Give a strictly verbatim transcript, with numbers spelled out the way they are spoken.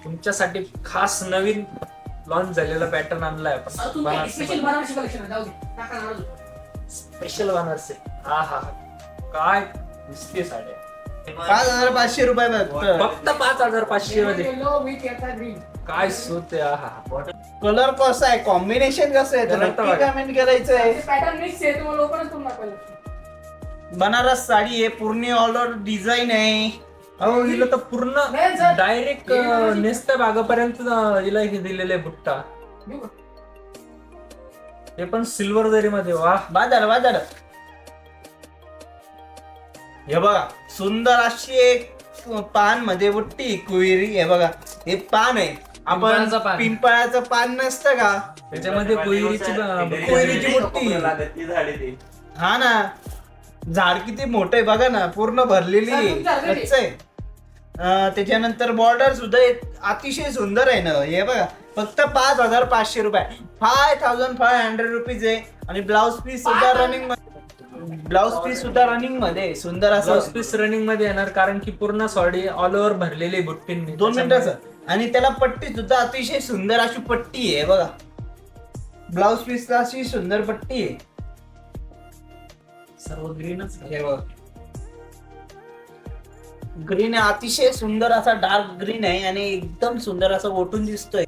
तुमच्यासाठी खास नवीन लॉन्च झालेला पॅटर्न आणलाय आपण स्पेशल बनारसी. हा हा काय दिसते साड्या पाच हजार पाचशे रुपये फक्त. फक्त पाच हजार पाचशे मध्ये काय सूत आहे. हा हा कलर कसा आहे, कॉम्बिनेशन कसं आहे, तर कलर तर नक्की बघा. कमेंट करायचंय. पॅटर्न मिक्स आहे, तुम्हाला ओपनच करून दाखवायला. बनारस साडी आहे, पूर्ण ऑल ओव्हर डिझाईन आहे. अहो हिला तर पूर्ण नाही सर. डायरेक्ट नेसत्या भागापर्यंत हिला हे दिलेलं आहे बुट्टा. घेऊ का? ते पण सिल्वर जरी मध्ये. वा बाजार बाजार हे बघा, सुंदर अशी एक पान मध्ये बुट्टी कुईरी. हे बघा, हे पान आहे. आपण पिंपळाचं पान. पिंपळाचं पान नसतं का, त्याच्यामध्ये कोयरीची कोयरीची बुट्टी. हा ना, झाड किती मोठं आहे बघा ना, पूर्ण भरलेली आहे. तुमच्या घरी. कच्चं आहे. अं, त्याच्यानंतर बॉर्डर सुद्धा एक अतिशय सुंदर आहे ना. हे बघा, फक्त पाच हजार पाचशे रुपये, five thousand five hundred rupees आहे. आणि ब्लाउज पीस सुद्धा रनिंग ब्लाउज पीस सुद्धा रनिंग मध्ये आहे. सुंदर ब्लाउज असं पीस रनिंग मध्ये येणार कारण की पूर्ण साडी ऑल ओव्हर भरलेली बुट्टींनी. दोन मिनिटाचं. आणि त्याला पट्टी सुद्धा अतिशय सुंदर अशी पट्टी आहे बघा. ब्लाउज पीस अशी सुंदर पट्टी आहे. सर्व ग्रीनच. हे बघ, ग्रीन आहे, अतिशय सुंदर असा डार्क ग्रीन आहे आणि एकदम सुंदर असा ओटून दिसतोय.